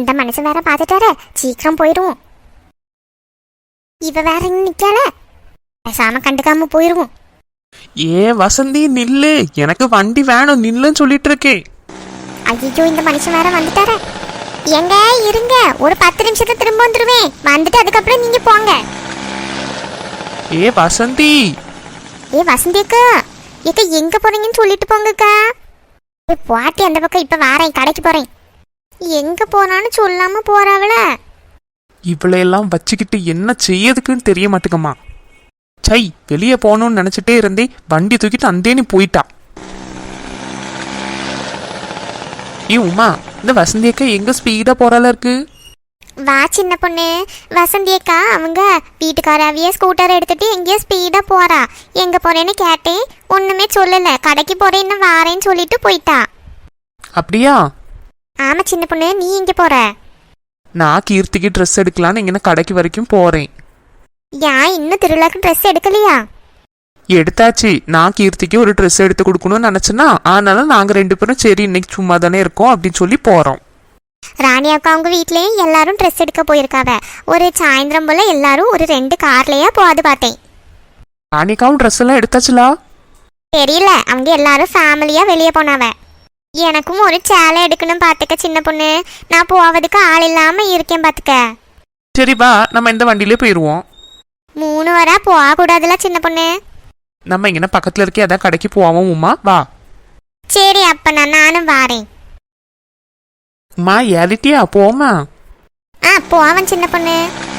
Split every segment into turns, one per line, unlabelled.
இந்த மனுஷன் வேற பார்த்துட்டாரு, சீக்கிரம் போயிடுவோம். இவ வேற இன்னும் நிக்கல, பேசாம கண்டுக்காம போயிருவோம்.
ஏ வசந்தி நில்லு, எனக்கு வண்டி வேணும், நில்லுன்னு சொல்லிட்டு இருக்கேன்.
ஐயோ, இந்த மனுஷன் வேற வந்துட்டாரு. எங்க இருங்க, ஒரு 10 நிமிஷத்துல திரும்ப வந்துருவேன். வந்துட்டு அதுக்கப்புறம் நீங்க போங்க.
ஏ வசந்தி.
ஏ வசந்தி அக்கா, ஏக்கா எங்க போறீங்கன்னு சொல்லிட்டு போங்கக்கா. பாட்டி அந்த பக்கம் இப்ப வாரேன், கடைக்கு போறேன். எங்க போனான்னு சொல்லாம போறாவல.
இவளையெல்லாம் வச்சுக்கிட்டு என்ன செய்யறதுக்குன்னு தெரிய மாட்டேங்கம்மா. சை, வெளியே போகணும்னு நினைச்சிட்டே இருந்தே வண்டி தூக்கிட்டு அந்தேனி போயிட்டா. ஏ உமா, இந்த வசந்தி அக்கா எங்க ஸ்பீடா போறால இருக்கு.
வா சின்ன பொண்ணு. வசந்தி அக்கா அவங்க வீட்டுக்காராவிய ஸ்கூட்டர் எடுத்துட்டு எங்கேயோ ஸ்பீடா போறா. எங்க போறேன்னு கேட்டேன், ஒண்ணுமே சொல்லல. கடைக்கு போறேன்னு வாரேன்னு சொல்லிட்டு போயிட்டா.
அப்படியா?
ஆமா சின்ன பொண்ணு, நீ எங்க போற?
நான் கீர்த்திக்கு ட்ரெஸ் எடுக்கலான்னு இங்கே கடைக்கு வரைக்கும் போறேன்.
ஏன் இன்னும் திருவிழாக்கு ட்ரெஸ் எடுக்கலையா?
எடுத்தாச்சு. நான் கீர்த்திக்கு ஒரு ட்ரெஸ் எடுத்து கொடுக்கணும்னு நினைச்சேன்னா, அதனால நாங்க 2 பேரும் சரி இன்னைக்கு சும்மா தானே இருக்கோம் அப்படின்னு சொல்லி போறோம்.
ராணி அக்கா அவங்க வீட்லயும் எல்லாரும் ட்ரெஸ் எடுக்க போயிருக்காவ. ஒரு சாயந்தரம் போல எல்லாரும் ஒரு 2 கார்லயா போது பார்த்தேன்.
ராணிக்காவும் ட்ரெஸ் எல்லாம் எடுத்தாச்சுலா?
தெரியல, அவங்க எல்லாரும் ஃபேமிலியா வெளியே போனாவ. எனக்கும் ஒரு சேலை எடுக்கணும் பாத்துக்க சின்ன பொண்ணு. நான் போவதுக்கு ஆள் இல்லாம இருக்கேன் பாத்துக்க.
சரி வா, நம்ம இந்த வண்டியிலே போயிடுவோம்.
3 வரா போக கூடாதுல சின்ன பொண்ணு.
நம்ம இங்கே பக்கத்துல இருக்கே, அதான் கடைக்கு போவோம். உமா வா.
சரி அப்ப நானும் வாரேன்.
உமா ஏறிட்டியா? போமா.
போவன் சின்ன பொண்ணு.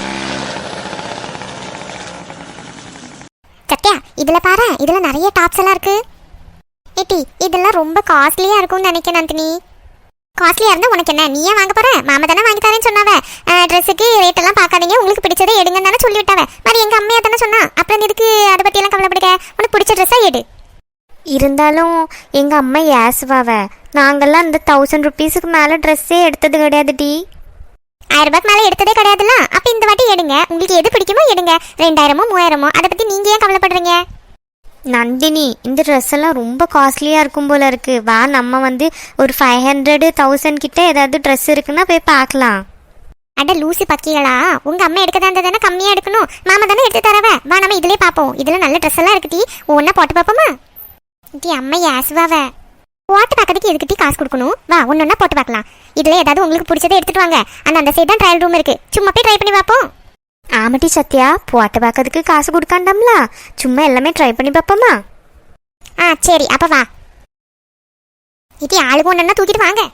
சத்யா, இதுல பாரு, இதுல நிறைய டாப்ஸ் எல்லாம் இருக்கு. ஏட்டி, இதெல்லாம் ரொம்ப காஸ்ட்லியா இருக்கும்னு நினைக்கிறேன் நந்தினி. காஸ்ட்லியா இருந்தா உனக்கு என்ன, நீயே வாங்க போற? மாமா தானே வாங்கி தரேன்னு சொன்னாவ. ட்ரெஸ்ஸுக்கு ரேட் எல்லாம் பார்க்காதீங்க, உங்களுக்கு பிடிச்சதை எடுங்கன்னு தானே சொல்லி விட்டாவ. மாதிரி எங்க அம்மையா தானே சொன்னா. அப்புறம் எதுக்கு அதை பத்தி எல்லாம் கவலைப்படுக்க? உனக்கு பிடிச்ச ட்ரெஸ்ஸா எடு.
இருந்தாலும் எங்க அம்மா ஏசுவாவ. நாங்கெல்லாம் இந்த 1000 rupeesக்கு மேல ட்ரெஸ்ஸே எடுத்தது கிடையாது டி.
1000 ரூபாய்க்கு மேல எடுத்ததே கிடையாதுல்ல. அப்ப இந்த வாட்டி எடுங்க, உங்களுக்கு எது பிடிக்குமோ எடுங்க. 2000மோ 3000மோ அதை பத்தி நீங்க ஏன் கவலைப்படுறீங்க?
நந்தினி, இந்த ட்ரெஸ் எல்லாம் ரொம்ப காஸ்ட்லியா இருக்கும் போல இருக்கு. வா, நம்ம ஒரு 500 1000 கிட்ட ஏதாவது ட்ரெஸ் இருக்குன்னா போய் பார்க்கலாம்.
அட லூசி பக்கிகளா, உங்க அம்மா எடுக்கதா இருந்தா தானே கம்மியா எடுக்கணும். மாமா தானே எடுத்து தரவ. வா, நம்ம இதுலயே பாப்போம். இதுல நல்ல ட்ரெஸ் எல்லாம் இருக்கு டி. ஒன்னா போட்டு பாப்போமா? டி அம்மா ஏசுவாவ. போட்டு பார்க்கறதுக்கு எதுக்கு டி காசு கொடுக்கணும்? வா, ஒன்னொன்னா போட்டு பார்க்கலாம். இதுல ஏதாவது உங்களுக்கு பிடிச்சதை எடுத்துட்டு வாங்க. அந்த சைடு தான் ட்ரையல் ரூம் இருக்கு, சும்மா போய் ட்ரை பண்ணி பார்ப்போம்.
ஆமாட்டி சத்யா, போட்டு பார்க்கறதுக்கு காசு கொடுக்காண்டாம்ல, சும்மா எல்லாமே ட்ரை பண்ணி பார்ப்போமா?
சரி அப்ப வா. இது ஆளுக்கு ஒன்னா தூக்கிட்டு வாங்க.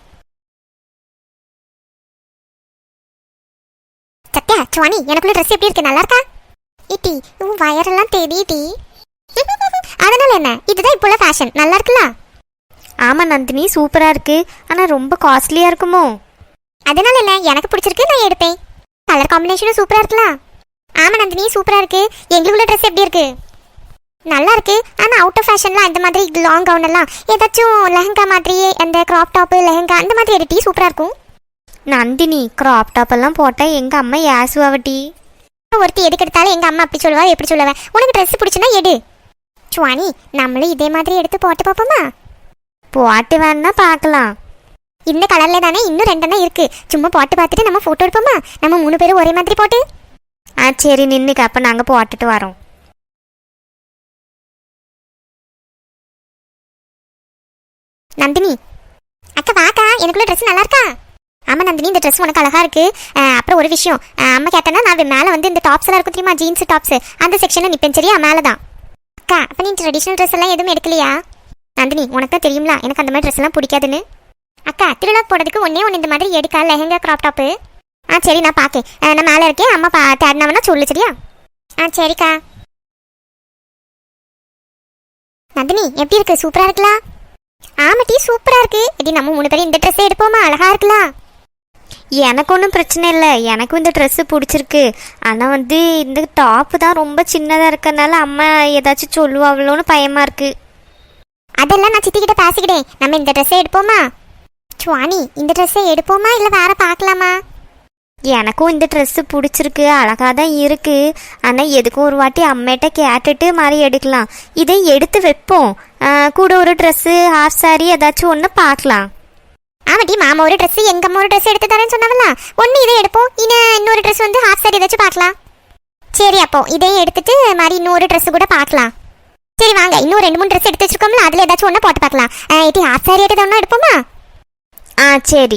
சத்யா, சுவானி, எனக்குள்ள ட்ரெஸ் எப்படி இருக்கு? நல்லா இருக்கா? இட்டி உன் வயரெல்லாம் தெரியுடி. அதனால என்ன, இதுதான் இப்போ உள்ள ஃபேஷன். நல்லா இருக்குல்ல?
ஆமா நந்தினி, சூப்பரா இருக்கு. ஆனா ரொம்ப காஸ்ட்லியா இருக்குமோ?
அதனால என்ன, எனக்கு பிடிச்சிருக்கு, நான் எடுப்பேன். கலர் காம்பினேஷனும் சூப்பரா இருக்குல்ல? ஆமா நந்தினி, சூப்பரா இருக்கு. எங்களுக்குள்ள ட்ரெஸ் எப்படி இருக்கு? நல்லா இருக்கு. ஆனா அவுட் ஆஃப் ஃபேஷன்லாம் இந்த மாதிரி லாங் கவுன் எல்லாம் ஏதாச்சும் லெஹங்கா மாதிரியே, அந்த கிராப் டாப் லெஹங்கா அந்த மாதிரி எடுட்டி சூப்பரா இருக்கும்.
நந்தினி, கிராப் டாப் எல்லாம் போட்டா எங்க அம்மா ஏசுவாவட்டி.
ஒருத்தி எதுக்கு எடுத்தாலும் எங்க அம்மா அப்படி சொல்லுவா, எப்படி சொல்லுவேன். உனக்கு ட்ரெஸ் பிடிச்சுன்னா எடு. சுவானி, நம்மளும் இதே மாதிரி எடுத்து போட்டு பார்ப்போமா?
போட்டு வேணா பார்க்கலாம்.
இந்த கலர்ல தானே இன்னும் 2 இருக்கு. சும்மா போட்டு பார்த்துட்டு நம்ம போட்டோ எடுப்போமா? நம்ம 3 பேரும் ஒரே மாதிரி போட்டு.
சரி நின்னுக்கு, அப்ப நாங்க போட்டுட்டு வரோம்.
நந்தினி அக்கா வாக்கா, எனக்குள்ள ட்ரெஸ் நல்லா இருக்கா? ஆமா நந்தினி, இந்த ட்ரெஸ் உனக்கு அழகா இருக்கு. அப்புறம் ஒரு விஷயம், அம்மா கேட்டேன்னா நான் மேலே இந்த டாப்ஸ் எல்லாம் இருக்கும் தெரியுமா, ஜீன்ஸ் டாப்ஸ், அந்த செக்ஷனில் நிற்பேன் சரியா, மேலே தான். அக்கா, அப்போ நீ ட்ரெடிஷ்னல் ட்ரெஸ் எல்லாம் எதுவும் எடுக்கலையா? நந்தினி, உனக்கு தான் தெரியுங்களா எனக்கு அந்த மாதிரி ட்ரெஸ் எல்லாம் பிடிக்காதுன்னு. அக்கா, திருவிழா போடுறதுக்கு ஒன்னே இந்த மாதிரி எடுக்கா, லெஹங்கா கிராப் டாப்பு. சரி நான் பார்க்கேன். நான் மேலே இருக்கேன், அம்மா தேடினாவனா சொல்லு சரியா? சரிக்கா. நந்தினி எப்படி இருக்கு? சூப்பரா இருக்குல்ல? ஆமாட்டி, சூப்பரா இருக்கு. இது நம்ம 3 பேரும் இந்த ட்ரெஸ்ஸே எடுப்போமா? அழகா இருக்கலாம்.
எனக்கு ஒன்றும் பிரச்சனை இல்லை, எனக்கும் இந்த ட்ரெஸ்ஸு பிடிச்சிருக்கு. ஆனால் இந்த டாப்பு தான் ரொம்ப சின்னதாக இருக்கறனால அம்மா ஏதாச்சும் சொல்லுவாங்களோன்னு பயமாக இருக்குது.
அதெல்லாம் நான் சித்திக்கிட்ட பேசிக்கிட்டேன். நம்ம இந்த ட்ரெஸ்ஸை எடுப்போமா? சுவானி, இந்த ட்ரெஸ்ஸை எடுப்போமா இல்லை வேற பார்க்கலாமா?
எனக்கும் இந்த ட்ரெஸ்ஸு பிடிச்சிருக்கு, அழகாக தான் இருக்குது. ஆனால் எதுக்கும் ஒரு வாட்டி அம்மையிட்ட கேட்டுட்டு மாதிரி எடுக்கலாம். இதை எடுத்து வைப்போம். கூட ஒரு ட்ரெஸ்ஸு, ஹாஃப் சாரி ஏதாச்சும் ஒன்று பார்க்கலாம்.
ஆமாட்டி, மாமா ஒரு ட்ரெஸ் எங்க அம்மா ஒரு ட்ரெஸ் எடுத்து தரேன்னு சொன்னாவல, ஒன்று இதை எடுப்போம், இன்னொரு ட்ரெஸ் வந்து ஹாஃப் சாரி ஏதாச்சும் பார்க்கலாம். சரி, அப்போ இதையும் எடுத்துட்டு மாதிரி இன்னொரு ட்ரெஸ் கூட பார்க்கலாம். சரி வாங்க, இன்னும் 2-3 ட்ரெஸ் எடுத்து வச்சிருக்கோம்ல, அதில் ஏதாச்சும் ஒன்று போட்டு பார்க்கலாம். இது ஹாஃப் சாரி எடுத்து ஒன்றா எடுப்போமா?
சரி.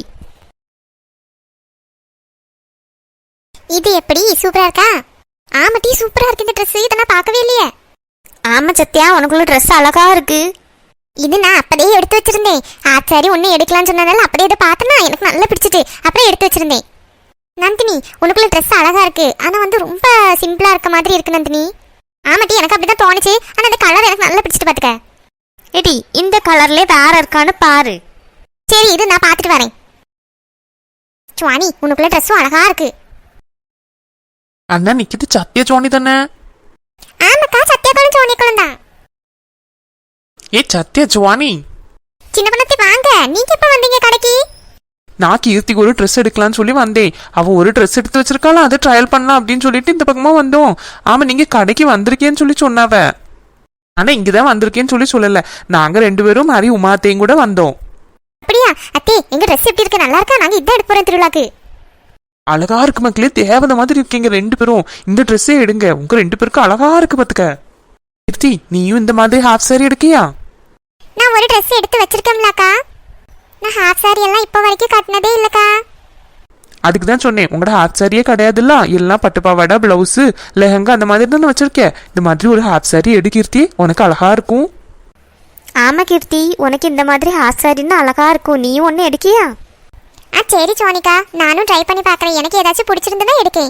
இது எப்படி சூப்பரா இருக்கா? ஆமாட்டி, சூப்பரா இருக்கு இந்த ட்ரெஸ். இதை நான் பார்க்கவே இல்லையே.
ஆமா சத்யா, உனக்குள்ள ட்ரெஸ் அழகா இருக்கு.
இது நான் அப்பதே எடுத்து வச்சிருந்தேன். சாரி ஒன்று எடுக்கலாம்னு சொன்னதால அப்படியே இதை பார்த்தனா எனக்கு நல்லா பிடிச்சிட்டு அப்படியே எடுத்து வச்சிருந்தேன். நந்தினி, உனக்குள்ள ட்ரெஸ் அழகா இருக்கு, ஆனா வந்து ரொம்ப சிம்பிளா இருக்க மாதிரி இருக்கு நந்தினி. ஆமாட்டி, எனக்கு அப்படிதான் தோணுச்சு. ஆனா அந்த கலர் எனக்கு நல்லா பிடிச்சிட்டு பாத்துக்க.
எடி, இந்த கலர்ல வேற இருக்கான்னு பாரு.
சரி, இது நான் பார்த்துட்டு வரேன். சுவானி, உனக்குள்ள ட்ரெஸ்ஸும் அழகா இருக்கு.
அண்ணா நிக்கிது சத்திய ஜோனி தானே?
ஆமாக்கா, சத்தியகாலம் சோனியக்காலம் தான்.
ஏ சத்திய ஜுவானி,
சின்ன பண்ணத்தி வாங்க. நீங்க எப்ப வந்தீங்க கடைக்கு?
நான் கீர்த்திக்கு ஒரு ட்ரெஸ் எடுக்கலாம்னு சொல்லி வந்தேன். அவ ஒரு ட்ரெஸ் எடுத்து வச்சிருக்காளா, அதை ட்ரையல் பண்ணலாம் அப்படின்னு சொல்லிட்டு இந்த பக்கமா வந்தோம். ஆமா, நீங்க கடைக்கு வந்திருக்கேன்னு சொல்லி சொன்னாவ. ஆனா இங்கதான் வந்திருக்கேன்னு சொல்லி சொல்லல. நாங்க 2 பேரும் மாதிரி உமாத்தையும் கூட வந்தோம்.
அப்படியா அத்தே, எங்க ட்ரெஸ் எப்படி இருக்கு? நல்லா இருக்கா? நாங்க இதான் எடுத்து போறோம் திருவிழாக்கு.
அழகா இருக்கு மக்களே, தேவதை மாதிரி இருக்கீங்க 2 பேரும். இந்த ட்ரெஸ்ஸே எடுங்க, உங்க 2 பேருக்கும் அழகா இருக்கு பாத்துக்க. கீர்த்தி, நீயும் இந்த மாதிரி ஹாஃப் சாரி எடுக்கியா?
நான் ஒரு ட்ரெஸ் எடுத்து வச்சிருக்கேன்லக்கா. நான் ஹாஃப் சாரி எல்லாம் இப்போ வரைக்கும் கட்டினதே இல்லக்கா.
அதுக்கு தான் சொன்னேன், உங்களோட ஹாஃப் சாரியே கிடையாதுல்ல, எல்லாம் பட்டு பாவாடை, பிளவுஸ், லெஹங்கா அந்த மாதிரி தானே வச்சிருக்கேன். இந்த மாதிரி ஒரு ஹாஃப் சாரி எடு கீர்த்தி, உனக்கு அழகா இருக்கும்.
ஆமா கீர்த்தி, உனக்கு இந்த மாதிரி ஹாஃப் சாரின்னு அழகா இருக்கும். நீயும் ஒன்று எடுக்கியா?
சரி சோனிகா, நானும் ட்ரை பண்ணி பார்க்குறேன். எனக்கு ஏதாச்சும் பிடிச்சிருந்ததுன்னா எடுக்கேன்.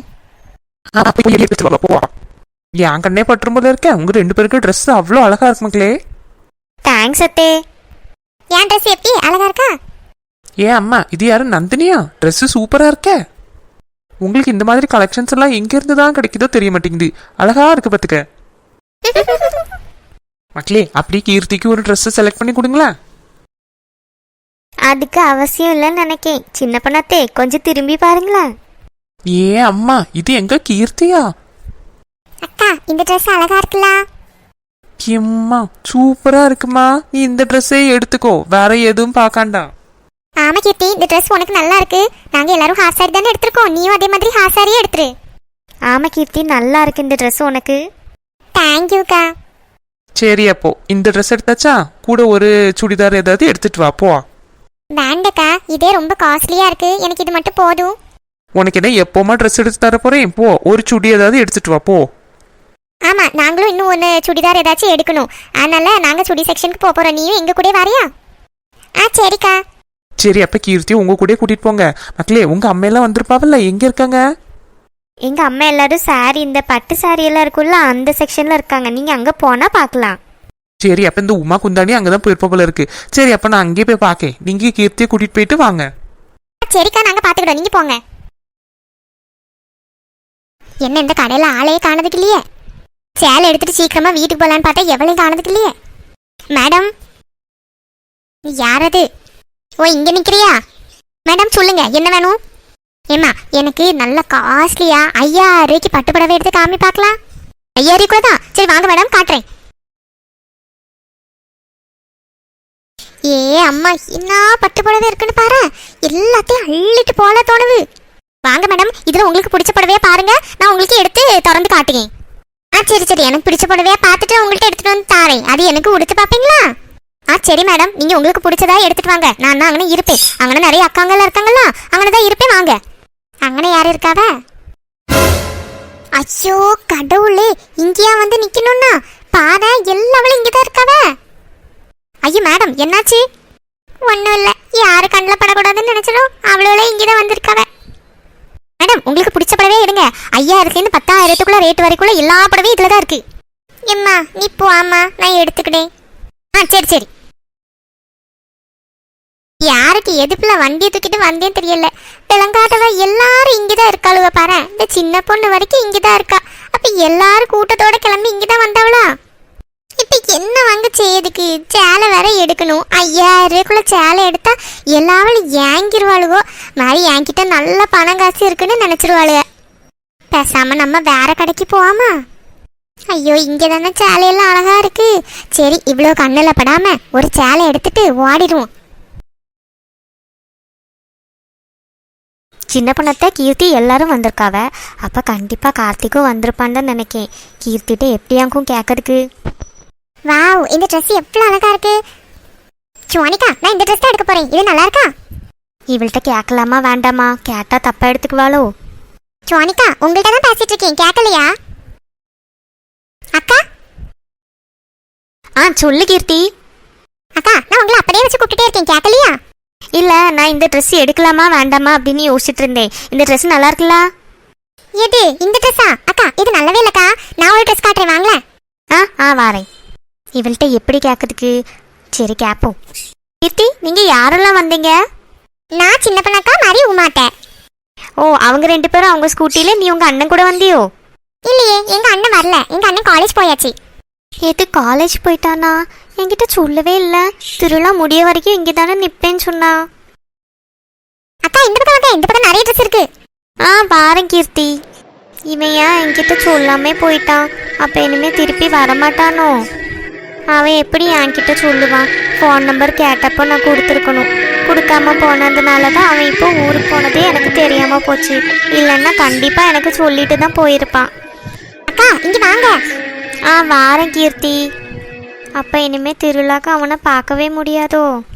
என் கண்ணே பற்றும் போல இருக்கேன். உங்க 2 பேருக்கு ட்ரெஸ் அவ்வளோ அழகா இருக்கு மக்களே.
தேங்க்ஸ் அத்தே.
என் ட்ரெஸ் எப்படி அழகா இருக்கா?
ஏன் அம்மா, இது யாரும் நந்தினியா? ட்ரெஸ் சூப்பரா இருக்க. உங்களுக்கு இந்த மாதிரி கலெக்ஷன்ஸ் எல்லாம் எங்க இருந்து தான் கிடைக்குதோ தெரிய மாட்டேங்குது. அழகா இருக்கு பாத்துக்க. மக்களே, அப்படி கீர்த்திக்கு ஒரு ட்ரெஸ் செலக்ட் பண்ணி கொடுங்களேன்.
அதுக்கு அவசியம் இல்லைன்னு நினைக்கேன். சின்ன பண்ணத்தே, கொஞ்சம் திரும்பி பாருங்களேன்.
ஏன் அம்மா, இது எங்க கீர்த்தியா?
அக்கா, இந்த ட்ரெஸ் அழகா இருக்குல்ல?
எம்மா சூப்பரா இருக்குமா. நீ இந்த ட்ரெஸ்ஸே எடுத்துக்கோ, வேற எதுவும் பார்க்காண்டா.
ஆமா கீர்த்தி, இந்த ட்ரெஸ் உனக்கு நல்லா இருக்கு. நாங்க எல்லாரும் ஹாஃப் சாரி தானே எடுத்திருக்கோம், நீயும் அதே மாதிரி ஹாஃப் சாரியே எடுத்துரு.
ஆமா கீர்த்தி, நல்லா இருக்கு இந்த ட்ரெஸ் உனக்கு.
தேங்க்யூக்கா.
சரி, அப்போ இந்த ட்ரெஸ் எடுத்தாச்சா, கூட ஒரு சுடிதார் ஏதாவது எடுத்துட்டு வா போ.
வேண்டக்கா, இதே ரொம்ப காஸ்ட்லியா இருக்கு. எனக்கு இது மட்டும் போதும்.
உனக்கு என்ன எப்போமா ட்ரெஸ் எடுத்து தர போறேன். போ, ஒரு சுடி ஏதாவது எடுத்துட்டு வா போ.
ஆமா, நாங்களும் இன்னும் ஒன்று சுடிதார் ஏதாச்சும் எடுக்கணும். அதனால நாங்க சுடி செக்ஷனுக்கு போறோம். நீயும் எங்க கூட வரியா? சரிக்கா.
சரி, அப்ப கீர்த்தி உங்க கூட கூட்டிட்டு போங்க. மக்களே, உங்க அம்மையெல்லாம் வந்திருப்பாவல்ல, எங்க இருக்காங்க?
எங்க அம்மா எல்லாரும் சாரி, இந்த பட்டு சாரி எல்லாம் இருக்குல்ல, அந்த செக்ஷன்ல இருக்காங்க. நீங்க அங்க போனா பார்க்கலாம்.
சரி, அப்ப இந்த உமா குந்தாணி அங்கதான் போயிருப்ப போல இருக்கு. சரி, அப்ப நான் அங்கேயே போய் பாக்கேன். நீங்க கீர்த்தியை கூட்டிட்டு போயிட்டு வாங்க.
சரிக்கா, நாங்க பாத்துக்கிட்டோம், நீங்க போங்க. என்ன இந்த கடையில ஆளையே காணதுக்கு இல்லையே? சேலை எடுத்துட்டு சீக்கிரமா வீட்டுக்கு போலான்னு பார்த்தா எவ்வளவு காணதுக்கு இல்லையே. மேடம், நீ யாரது? ஓ, இங்க நிக்கிறியா? மேடம் சொல்லுங்க, என்ன வேணும்? ஏமா, எனக்கு நல்ல காஸ்ட்லியா 5000 ரூபாய்க்கு பட்டு புடவை எடுத்து காமி பார்க்கலாம். 5000 கூட தான். சரி வாங்க மேடம், காட்டுறேன். ஏ அம்மா, என்ன பட்டு புடவை இருக்குன்னு பாரு. எல்லாத்தையும் அள்ளிட்டு போல தோணுது. வாங்க மேடம், இதுல உங்களுக்கு பிடிச்ச புடவையா பாருங்க, நான் உங்களுக்கு எடுத்து திறந்து காட்டுறேன். சரி சரி, எனக்கு பிடிச்ச புடவையா பார்த்துட்டு உங்கள்கிட்ட எடுத்துட்டு வந்து தாரேன். அது எனக்கு உடுத்து பார்ப்பீங்களா? சரி மேடம், நீங்க உங்களுக்கு பிடிச்சதா எடுத்துட்டு வாங்க. நான் தான் அங்கே இருப்பேன். அங்கே நிறைய அக்காங்கெல்லாம் இருக்காங்களா, அங்கே தான் இருப்பேன். வாங்க. அங்கே யாரு இருக்காவ? ஐயோ கடவுளே, இங்கேயா வந்து நிக்கணும்னா பாரு, எல்லாவளும் இங்கதான் இருக்காவ. ஐயோ மேடம், என்னாச்சு? ஒன்றும் இல்லை, யாரு கண்ணில் படக்கூடாதுன்னு நினைச்சிடும், அவ்வளோ இங்கேதான் வந்திருக்காவ. மேடம், உங்களுக்கு பிடிச்ச படவே எடுங்க. 5000 10,000 ரேட் வரைக்கும் எல்லா படவையும் இதுல தான் இருக்கு. எம்மா நீ போ. ஆமா, நான் எடுத்துக்கிட்டேன். சரி சரி. யாருக்கு எதுப்புல வண்டியை தூக்கிட்டு வந்தேன்னு தெரியல. விளங்காதவ எல்லாரும் இங்கதான் இருக்காளுவ பாரு. இந்த சின்ன பொண்ணு வரைக்கும் இங்கதான் இருக்கா. அப்ப எல்லாரும் கூட்டத்தோட கிளம்பி இங்கதான் வந்தவளா? இப்ப என்ன வாங்க செய்யதுக்கு? சேலை வேற எடுக்கணும். 5000 சேலை எடுத்தா எல்லாவளும் ஏங்கிருவாளுவோ. மாதிரி என்கிட்ட நல்ல பணம் காசு இருக்குன்னு நினைச்சிருவாளுக. பேசாம நம்ம வேற கடைக்கு போவாமா? ஐயோ, இங்க தானே சேலையெல்லாம் அழகா இருக்கு. சரி, இவ்வளோ கண்ணில் படாம ஒரு சேலை எடுத்துட்டு ஓடிடுவோம்.
சின்ன பொண்ணத்தை கீர்த்தி எல்லாரும் வந்திருக்காவ. அப்போ கண்டிப்பாக கார்த்திக்கும் வந்திருப்பான்னு தான் நினைக்கேன். கீர்த்திட்ட எப்படியாக்கும் கேட்கறதுக்கு.
வாவ், இந்த ட்ரெஸ் எவ்வளோ அழகா இருக்கு. சுவானிகா, நான் இந்த ட்ரெஸ் தான் எடுக்க போறேன். இது நல்லா இருக்கா?
இவள்கிட்ட கேட்கலாமா வேண்டாமா? கேட்டால் தப்பாக எடுத்துக்குவாளோ?
சுவானிகா, உங்கள்கிட்ட தான் பேசிட்டு இருக்கேன், கேட்கலையா? அக்கா
சொல்லு கீர்த்தி.
அக்கா, நான் உங்களை அப்படியே வச்சு கூப்பிட்டுட்டே இருக்கேன், கேட்கலையா?
இல்லை, நான் இந்த ட்ரெஸ் எடுக்கலாமா வேண்டாமா அப்படின்னு யோசிச்சுட்டு இருந்தேன். இந்த ட்ரெஸ் நல்லா இருக்குல்ல?
எது இந்த ட்ரெஸ்ஸா? அக்கா, இது நல்லாவே இல்லக்கா. நான் ஒரு ட்ரெஸ் காட்டுறேன், வாங்களேன்.
வாரேன். இவள்கிட்ட எப்படி கேட்கறதுக்கு? சரி கேட்போம். கீர்த்தி, நீங்கள் யாரெல்லாம் வந்தீங்க?
நான் சின்ன பண்ணக்கா மாதிரி உமாட்டேன்.
ஓ, அவங்க 2 பேரும் அவங்க ஸ்கூட்டியில், நீ உங்கள் அண்ணன் கூட வந்தியோ?
இல்லையே, எங்க அண்ணன் வரல. எங்க அண்ணன் காலேஜ் போயாச்சு.
எது காலேஜ் போயிட்டானா? என்கிட்ட சொல்லவே இல்லை. திருவிழா முடிய வரைக்கும் இங்கே தானே நிற்பேன்னு சொன்னா.
அக்கா, இந்த பக்கம் வாங்க, இந்த பக்கம் நிறைய ட்ரெஸ் இருக்கு.
பாரேன் கீர்த்தி. இவன் ஏன் என்கிட்ட சொல்லாமே போயிட்டான்? அப்போ இனிமேல் திருப்பி வரமாட்டானோ? அவன் எப்படி என்கிட்ட சொல்லுவான்? ஃபோன் நம்பர் கேட்டப்போ நான் கொடுத்துருக்கணும். கொடுக்காம போனதுனால தான் அவன் இப்போ ஊருக்கு போனதே எனக்கு தெரியாமல் போச்சு. இல்லைன்னா கண்டிப்பாக எனக்கு சொல்லிட்டு தான் போயிருப்பான்.
அக்கா, இங்க வாங்க.
வாரேன் கீர்த்தி. அப்போ இனிமேல் திருவிழாக்கு அவனை பார்க்கவே முடியாதோ?